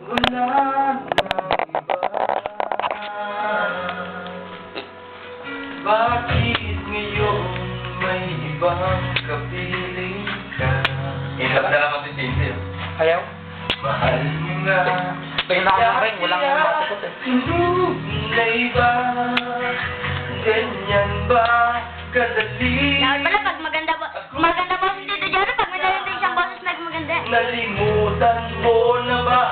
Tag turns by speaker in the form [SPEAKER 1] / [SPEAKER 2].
[SPEAKER 1] Wala nang iba. Bakit ngayon may ibang kapiling ka?
[SPEAKER 2] Inabdala mo si Cindy.
[SPEAKER 3] Ayaw?
[SPEAKER 1] Mahal mo nga.
[SPEAKER 3] Tingnan ko rin, walang matikot eh.
[SPEAKER 1] Na iba, ganyan ba kadali?
[SPEAKER 4] Dapat pala pag maganda boses dito dyan, pag may narinig siyang boses maganda.
[SPEAKER 1] Nalimutan mo na ba